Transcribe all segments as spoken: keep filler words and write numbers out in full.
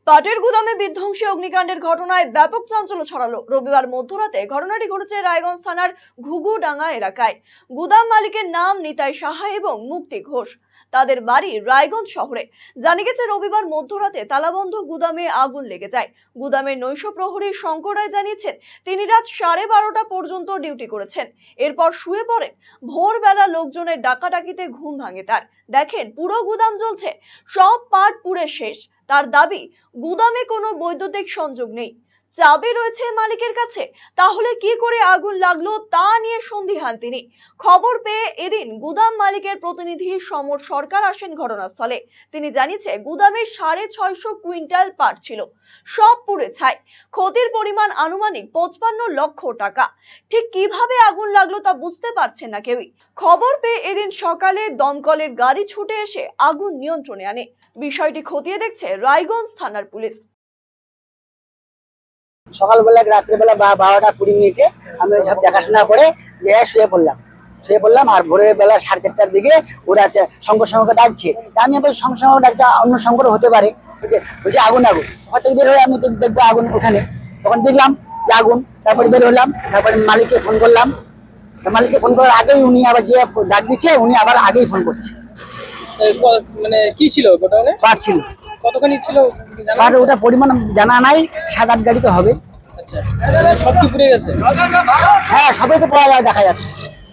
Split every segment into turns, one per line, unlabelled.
পাটের গুদামে বিধ্বংসী অগ্নিকাণ্ডের ঘটনায় ব্যাপক চাঞ্চল্য ছড়ালো। রবিবার মধ্যরাতে ঘটনাটি ঘটেছে রায়গঞ্জ থানার ঘুঘুডাঙ্গা এলাকায়। গুদাম মালিকের নাম নিতাই সাহা এবং মুক্তি ঘোষ। তাদের বাড়ি রায়গঞ্জ শহরে। জানা গেছে রবিবার মধ্যরাতে তালাবন্ধ গুদামে আগুন লেগে যায়। গুদামের নৈশ প্রহরী শঙ্কর রায় জানিয়েছেন তিনি রাত সাড়ে বারোটা পর্যন্ত ডিউটি করেছেন, এরপর শুয়ে পড়েন। ভোরবেলা লোকজনের ডাকাডাকিতে ঘুম ভাঙে তার। দেখেন পুরো গুদাম জ্বলছে, সব পাট পুড়ে শেষ। তার দাবি গুদামে কোনো বৈদ্যুতিক সংযোগ নেই, চাবি রয়েছে মালিকের কাছে। তাহলে কি করে আগুন লাগলো তা নিয়ে সন্দিহান তিনি। খবর পেয়ে এদিন গুদাম মালিকের প্রতিনিধি সমর সরকার আসেন ঘটনাস্থলে। তিনি জানিয়েছে গুদামে সাড়ে ছয়শো কুইন্টাল পাট ছিল, সব পুড়ে ছাই। ক্ষতির পরিমাণ আনুমানিক পঁচপান্ন লক্ষ টাকা। ঠিক কিভাবে আগুন লাগলো তা বুঝতে পারছেন না কেউই। খবর পেয়ে এদিন সকালে দমকলের গাড়ি ছুটে এসে আগুন নিয়ন্ত্রণে আনে। বিষয়টি খতিয়ে দেখছে রায়গঞ্জ থানার পুলিশ।
সকালবেলা রাত্রেবেলা বারোটা কুড়ি মিনিটে আমি সব দেখাশোনা করে শুয়ে পড়লাম শুয়ে পড়লাম আর ভোরের বেলা সাড়ে চারটার দিকে ওরা শঙ্কর শঙ্করকে ডাকছে। আমি আবার শঙ্কর শঙ্কর ডাকছে, অন্য শঙ্কর হতে পারে, বলছে আগুন আগুন। হয়তো বের হয়ে আমি দেখবো আগুন ওখানে, তখন দেখলাম যে আগুন। তারপরে বের হলাম, তারপরে মালিককে ফোন করলাম। মালিককে ফোন করার আগেই উনি আবার যে ডাক দিচ্ছে উনি আবার আগেই ফোন করছে।
মানে কি ছিল গোডাউনে?
পাট ছিল।
কতখানি ছিল?
পাট ওটা পরিমাণ জানা নাই, সাত আট গাড়ি তো হবে।
আচ্ছা, সব কি পুড়ে গেছে?
হ্যাঁ, সবই তো পাওয়া যায়, দেখা যাচ্ছে।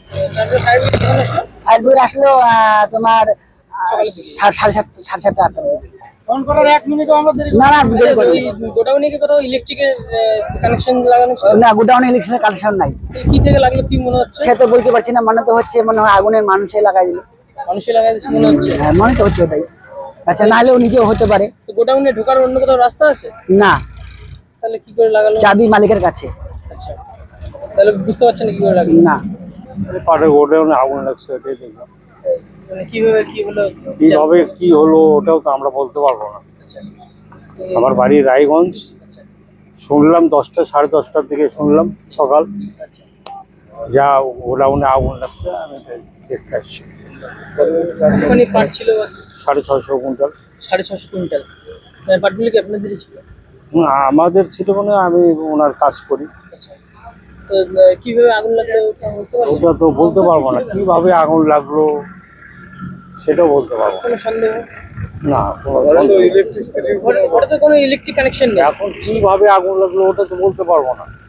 ফায়ার আসলো তোমার সাড়ে সাতটা সাড়ে সাতটা আটটার দিকে।
ফোন করার এক মিনিটও আমরা দেরি
না না দেরি করি।
গোডাউনে কি কোথাও ইলেকট্রিকের কানেকশন লাগানো ছিল?
না, গোডাউনে ইলেকট্রিকের কানেকশন নাই।
কি থেকে লাগলো কি মনে হচ্ছে?
সে তো বলতে পারছি না, মনে তো হচ্ছে মনে হয় আগুনের মানুষে লাগাই দিল।
মানুষই লাগাই দিচ্ছে মনে হচ্ছে?
হ্যাঁ, মনে তো হচ্ছে ওটাই। আচ্ছা, না হলেও নিজেও হতে পারে।
তো গোডাউনে ঢোকার অন্য কোথাও রাস্তা আছে?
না,
তাহলে কি করে লাগালো?
চাবি মালিকের কাছে।
আচ্ছা, তাহলে বুঝতে পারছেন কি করে লাগলো?
না,
পাটের গোডাউনে আগুন লাগছে, এটাই দেখলাম।
মানে কিভাবে কি হলো?
কিভাবে কি হলো ওটাও তো আমরা বলতে পারবো না।
আচ্ছা,
আমার বাড়ি রায়গঞ্জ।
আচ্ছা,
শুনলাম দশটা সাড়ে দশটার দিকে শুনলাম সকাল,
আচ্ছা।
যা গোডাউনে আগুন লাগছে, আমি তাই দেখতে আসছি।
কতখানি পাট ছিল?
সাড়ে ছয়শো কুইন্টাল।
সাড়ে ছশো কুইন্টাল। পাটগুলি কি আপনাদেরই ছিল?
হুম, আমাদের ছিল মানে আমি ওনার কাজ করি।
আচ্ছা, তো কিভাবে আগুন লাগলো বুঝতে পারলেন?
ওটা তো বলতে পারবো না, কিভাবে আগুন লাগলো সেটাও বলতে পারবো না।
কোনো সন্দেহ?
না, কোনো
ঘরে তো কোনো ইলেকট্রিক কানেকশন নেই।
এখন কিভাবে আগুন লাগলো ওটা তো বলতে পারবো না।